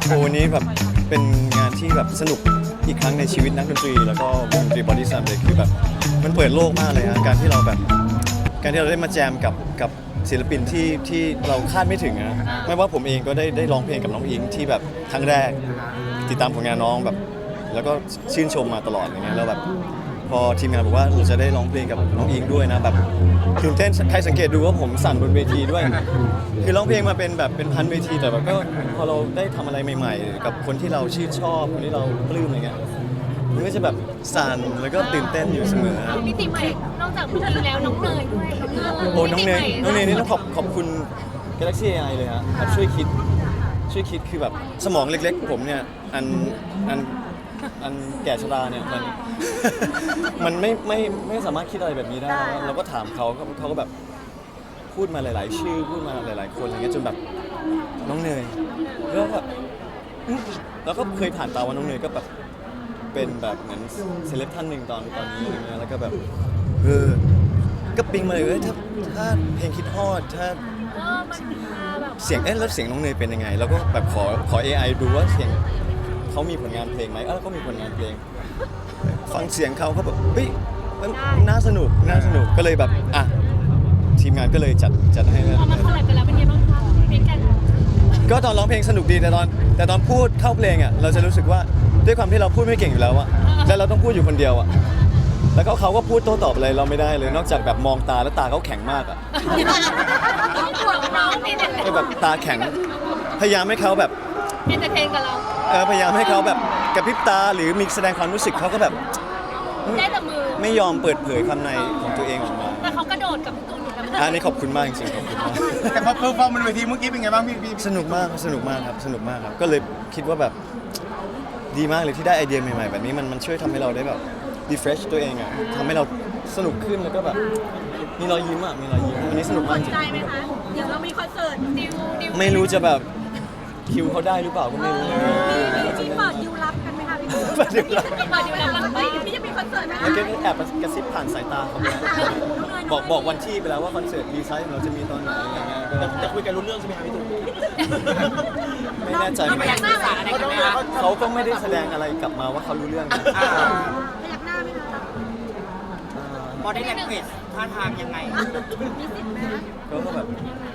โอ้วันนี้แบบเป็นงานที่แบบสนุกอีกครั้งในชีวิตนักดนตรีแล้วก็วงดนตรีบอดี้สแลมเลยคือแบบมันเปิดโลกมากเลยฮะการที่เราได้มาแจมกับศิลปินที่เราคาดไม่ถึงนะไม่ว่าผมเองก็ได้ร้องเพลงกับน้องอิงที่แบบครั้งแรกติดตามผลงานน้องแบบแล้วก็ชื่นชมมาตลอดอย่างเงี้ยแล้วแบบพอทีมงานบอกว่าเราจะได้ร้องเพลงกับน้องอิงด้วยนะแบบตื่นเต้นใครสังเกตดูว่าผมสั่นบนเวทีด้วยคือร้องเพลงมาเป็นพันเวทีแต่แบบก็พอเราได้ทำอะไรใหม่ๆกับคนที่เราชื่นชอบคนที่เราปลื้มอะไรเงี้ยมันก็จะแบบสั่นแล้วก็ตื่นเต้นอยู่เสมอมิติใหม่นอกจากพี่อิงแล้วน้องเนยด้วยโอ้น้องเนยนี่ต้องขอบคุณ Galaxy AI เลยฮะแบบช่วยคิดคือแบบสมองเล็กๆผมเนี่ยอันแก่ชราเนี่ยมันไม่สามารถคิดอะไรแบบนี้ได้เราก็ถามเขาก็แบบพูดมาหลายๆชื่อพูดมาหลายๆคนอะไรเงี้ยจนแบบน้องเนยแล้วแบบแล้วก็เคยผ่านตาว่าน้องเนยก็แบบเป็นแบบเหมือนเซเลบท่านหนึ่งตอนนี้อะไรเงี้ยแล้วก็แบบก็ปิ๊งมาเลยถ้าเพลงคิดฮอดถ้ามันมาแบบเสียงแล้วเสียงน้องเนยเป็นยังไงแล้วก็แบบขอ AI ดูว่าเสียงเขามีผลงานเพลงไหมก็มีผลงานเพลงฟังเสียงเขาแบบเฮ้ยน่าสนุกก็เลยแบบทีมงานก็เลยจัดให้พอมาคอลแลบกันแล้วเป็นไงบ้างคะเพลงกันก็ตอนร้องเพลงสนุกดีแต่ตอนพูดเข้าเพลงเราจะรู้สึกว่าด้วยความที่เราพูดไม่เก่งอยู่แล้วแล้วเราต้องพูดอยู่คนเดียวแล้วเขาก็พูดโต้ตอบอะไรเราไม่ได้เลยนอกจากแบบมองตาแล้วตาเขาแข็งมากห่วงน้องนี่เนี่ยแบบตาแข็งพยายามให้เขาแบบเอนเตอร์เทนกับเราพยายามให้เขาแบบกระพริบตาหรือมีแสดงความรู้สึกเขาก็แบบได้แต่มือไม่ยอมเปิดเผยความในของตัวเองออกมาแต่เขากระโดดกับพี่ตูนอยู่นะอันนี้ขอบคุณมากจริงๆขอบคุณมากแต่พอเพอร์ฟอร์มบนเวทีเมื่อกี้เป็นไงบ้างพี่สนุกมากครับก็เลยคิดว่าแบบดีมากเลยที่ได้ไอเดียใหม่ๆแบบนี้มันช่วยทำให้เราได้แบบrefresh ตัวเองทำให้เราสนุกขึ้นแล้วก็แบบมีรอยยิ้มมีรอยยิ้มอันนี้สนุกมากจริงใจไหมคะเดี๋ยวเรามีคอนเสิร์ตดิวไม่รู้จะแบบคิวเขาได้หรือเปล่าก็ไม่รู้มีเปิดดิวรับกันไหมคะพี่ตูนเปิดดิวรับกันไหมพี่จะมีคอนเสิร์ตไหมเมื่อกี้แอบกระซิบผ่านสายตาเขาบอกวันที่ไปแล้วว่าคอนเสิร์ตดีไซน์เราจะมีตอนไหนอะไรเงี้ยแต่คุยกันรู้เรื่องใช่ไหมครับพี่ตูนไม่แน่ใจเขาก็ไม่ได้แสดงอะไรกลับมาว่าเขารู้เรื่องนะพยักหน้าไหมคะพอได้แลกเกจท่าทางยังไงมีสิทธิ์ไหมก็แบบ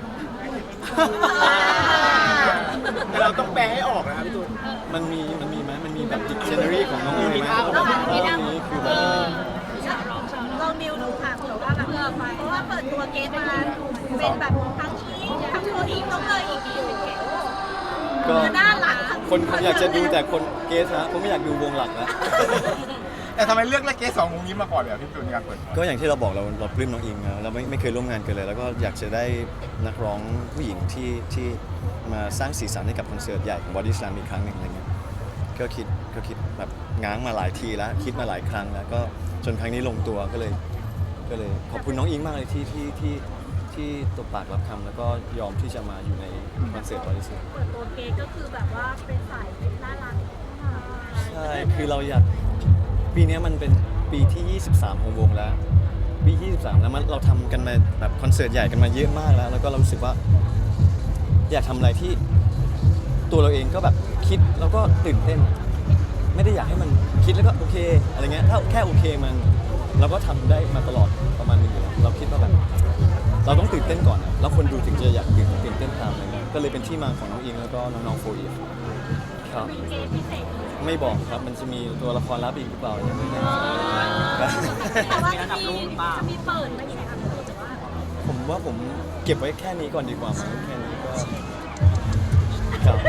แต่เราต้องแปลให้ออกนะครับพี่ตูนมันมีไหมมันมีแบบดิกชันนารีของน้องเนยไหมนี้คือแบบลองดิวดูค่ะเผื่อว่าแบบเพราะว่าเปิดตัวเกสมาเป็นแบบทั้งอีกทั้งโคอีกต้องเลยอีกก็น่ารักคนอยากจะดูแต่คนเกสฮะผมไม่อยากดูวงหลักแล้วแต่ทำไมเลือกเกส2วงนี้มาก่อนเลยพี่ตูนในการเปิดก็อย่างที่เราบอกเราปลื้มน้องอิงนะเราไม่เคยร่วมงานกันเลยแล้วก็อยากจะได้นักร้องผู้หญิงที่มาสร้างสีสันให้กับคอนเสิร์ตใหญ่ของ Body Slam อีกครั้งหนึ่งอะไรเงี้ยก็คิดแบบง้างมาหลายทีแล้วคิดมาหลายครั้งแล้วก็จนครั้งนี้ลงตัวก็เลยขอบคุณน้องอิงมากเลยที่ตบปากรับคำแล้วก็ยอมที่จะมาอยู่ในคอนเสิร์ต Body Slam เปิดตัวเกสก็คือแบบว่าเป็นสายน่ารักใช่คือเราอยากปีนี้มันเป็นปีที่23ของวงแล้วปี23แล้วเราทำกันมาแบบคอนเสิร์ตใหญ่กันมาเยอะมากแล้วก็เรารู้สึกว่าอยากทำอะไรที่ตัวเราเองก็แบบคิดแล้วก็ตื่นเต้นไม่ได้อยากให้มันคิดแล้วก็โอเคอะไรเงี้ยถ้าแค่โอเคมันเราก็ทำได้มาตลอดประมาณนึงอยู่แล้วเราคิดว่าแบบเราต้องตื่นเต้นก่อนแล้วคนดูถึงจะอยากตื่นเต้นตามอะไรเงี้ยก็เลยเป็นที่มาของน้องอิงแล้วก็น้องๆโฟอีฟครับไม่บอกครับมันจะมีตัวละครลับอีกหรือเปล่ายังไม่แน่แต่ว่าจะมีเปิดไหมคะผมว่าผมเก็บไว้แค่นี้ก่อนดีกว่ามั้งแค่นี้ก็ครับ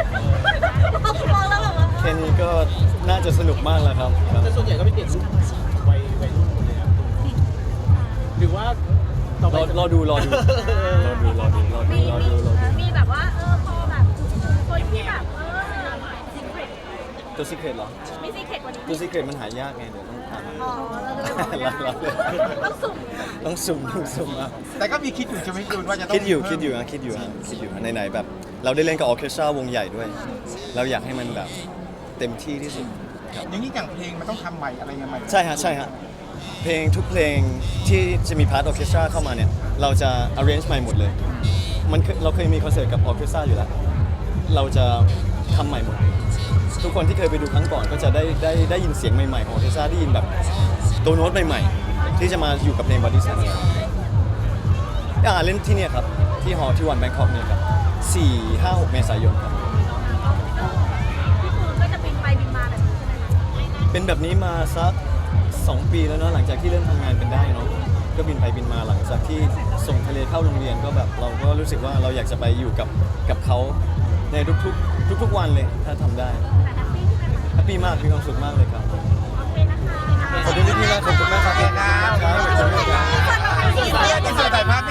แค่นี้ก็น่าจะสนุกมากแล้วครับแต่ส่วนใหญ่ก็เป็นเด็กรุ่นวัยรุ่นหมดเลยครับหรือว่ารอดูมีแบบว่าพอแบบคนที่แบบตัวซีเครตเหรอมีซีเครตกว่านี้ตัวซีเครตมันหายากไงเดี๋ยวต้องทำต้องสุ่มแต่ก็มีคิดอยู่ใช่ไหมคุณว่าจะต้องคิดอยู่ไหนแบบเราได้เล่นกับออร์เคสตราวงใหญ่ด้วยเราอยากให้มันแบบเต็มที่ที่สุดครับอย่างนี้อย่างเพลงมันต้องทำใหม่อะไรยังไงใช่ฮะเพลงทุกเพลงที่จะมีพาร์ทออร์เคสตราเข้ามาเนี่ยเราจะ arrange ใหม่หมดเลยเราเคยมีคอนเสิร์ตกับออร์เคสตราอยู่แล้วเราจะทำใหม่หมดทุกคนที่เคยไปดูครั้งก่อนก็จะได้ยินเสียงใหม่ๆของเทซ่าได้ยินแบบตัวโน้ตใหม่ๆที่จะมาอยู่กับเพลง Body Slam เล่นที่เนี่ยครับที่ฮอลล์ที่วันแบงคอกเนี่ยครับ4-5-6 เมษายนครับพี่ปูก็จะบินไปบินมาแบบนี้ใช่ไหมคะเป็นแบบนี้มาสัก 2 ปีแล้วเนาะหลังจากที่เริ่มทำงานเป็นได้เนาะก็บินไปบินมาหลังจากที่ส่งทะเลเข้าโรงเรียนก็แบบเราก็รู้สึกว่าเราอยากจะไปอยู่กับเขาในทุกๆวันเลยถ้าทำได้แต่แฮปปี้ใช่ไหมคะแฮปปี้มากมีความสุขมากเลยครับโอเคนะคะขอบคุณพี่ๆมากขอบคุณมากครับขอบคุณครับครับขอบคุณครับอินเสิร์ตถ่ายภาพ